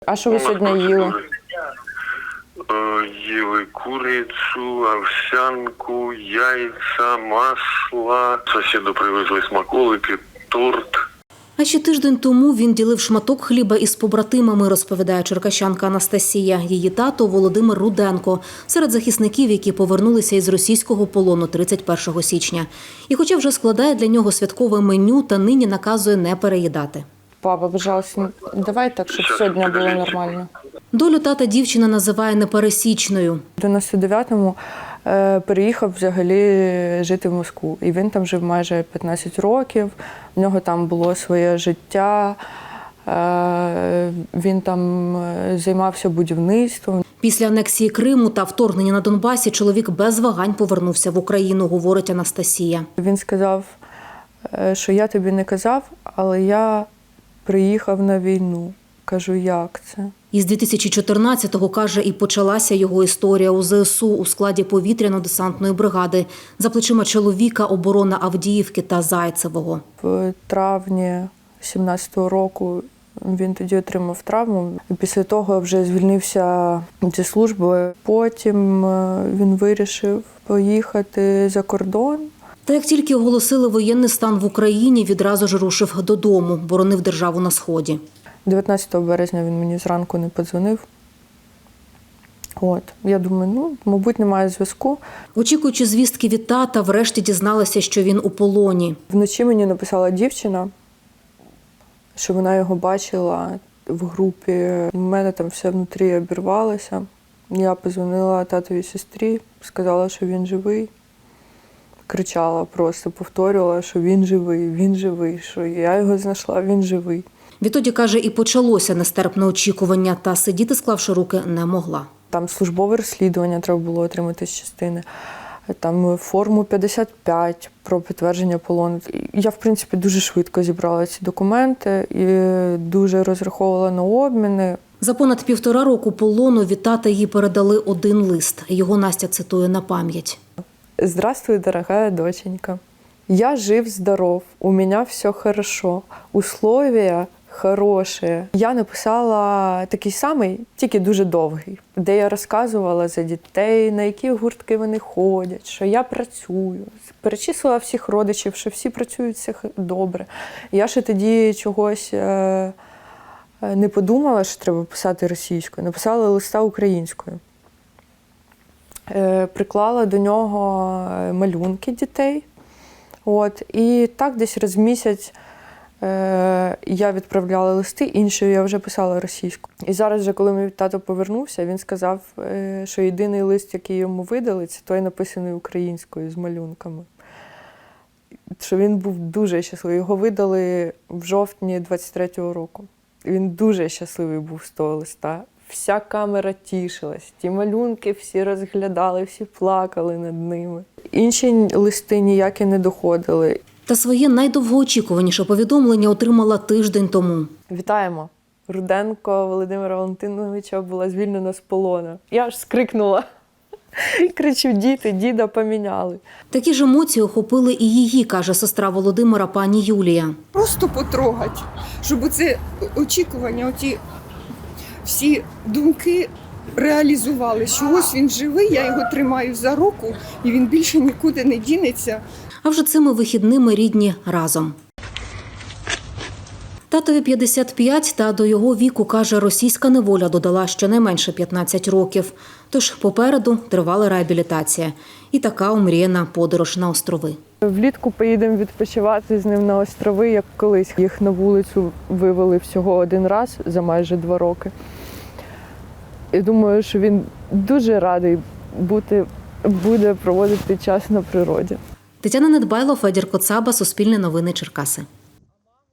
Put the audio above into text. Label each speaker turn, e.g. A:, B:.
A: А що ви сьогодні їли?
B: Їли курицю, овсянку, яйця, масло. Сусіду привезли смаколики, торт.
C: А ще тиждень тому він ділив шматок хліба із побратимами, розповідає черкащанка Анастасія. Її тато Володимир Руденко серед захисників, які повернулися із російського полону 31 січня. І хоча вже складає для нього святкове меню, та нині наказує не переїдати.
A: Папа, пожалуйста, давай так, щоб сьогодні було нормально.
C: Долю тата дівчина називає непересічною.
A: В 99-му переїхав взагалі жити в Москву. І він там жив майже 15 років. В нього там було своє життя. Він там займався будівництвом.
C: Після анексії Криму та вторгнення на Донбасі чоловік без вагань повернувся в Україну, говорить Анастасія.
A: Він сказав, що я тобі не казав, але я приїхав на війну. Кажу, як це?
C: Із 2014-го, каже, і почалася його історія у ЗСУ у складі повітряно-десантної бригади. За плечима чоловіка оборона Авдіївки та Зайцевого.
A: В травні 17-го року він тоді отримав травму. І після того вже звільнився зі служби. Потім він вирішив поїхати за кордон.
C: Та як тільки оголосили воєнний стан в Україні, відразу ж рушив додому, боронив державу на Сході.
A: 19 березня він мені зранку не подзвонив. Я думаю, мабуть, немає зв'язку.
C: Очікуючи звістки від тата, врешті дізналася, що він у полоні.
A: Вночі мені написала дівчина, що вона його бачила в групі. У мене там все внутрі обірвалося. Я подзвонила татовій сестрі, сказала, що він живий. Кричала просто, повторювала, що він живий, що я його знайшла, він живий.
C: Відтоді, каже, і почалося нестерпне очікування, та сидіти, склавши руки, не могла.
A: Там службове розслідування треба було отримати з частини, там форму 55 про підтвердження полону. Я, в принципі, дуже швидко зібрала ці документи і дуже розраховувала на обміни.
C: За понад 1,5 року полону від тата їй передали один лист. Його Настя цитує на пам'ять.
A: «Здравствуй, дорогая доченька. Я жив-здоров, у меня все хорошо, условия хорошие». Я написала такий самий, тільки дуже довгий, де я розказувала за дітей, на які гуртки вони ходять, що я працюю. Перечислила всіх родичів, що всі працюють, все добре. Я ще тоді чогось не подумала, що треба писати російською. Написала листа українською. Приклала до нього малюнки дітей. І так десь раз в місяць я відправляла листи, іншою я вже писала російською. І зараз, вже, коли мій тато повернувся, він сказав, що єдиний лист, який йому видали, це той написаний українською з малюнками. Що він був дуже щасливий. Його видали в жовтні 23-го року. Він дуже щасливий був з того листа. Вся камера тішилась, ті малюнки всі розглядали, всі плакали над ними. Інші листи ніякі не доходили.
C: Та своє найдовгоочікуваніше повідомлення отримала тиждень тому.
A: Вітаємо! Руденко Володимира Валентиновича була звільнена з полону. Я аж скрикнула. Кричу, діда поміняли.
C: Такі ж емоції охопили і її, каже сестра Володимира, пані Юлія.
D: Просто потрогати, щоб оце очікування, оті всі думки реалізували, що ось він живий, я його тримаю за руку, і він більше нікуди не дінеться.
C: А вже цими вихідними рідні разом. Татові 55, та до його віку, каже, російська неволя додала щонайменше 15 років. Тож попереду тривала реабілітація. І така омріяна подорож на острови.
A: Влітку поїдемо відпочивати з ним на острови, як колись. Їх на вулицю вивели всього один раз за майже 2 роки. І думаю, що він дуже радий буде проводити час на природі.
C: Тетяна Недбайло, Федір Коцаба, Суспільне новини, Черкаси.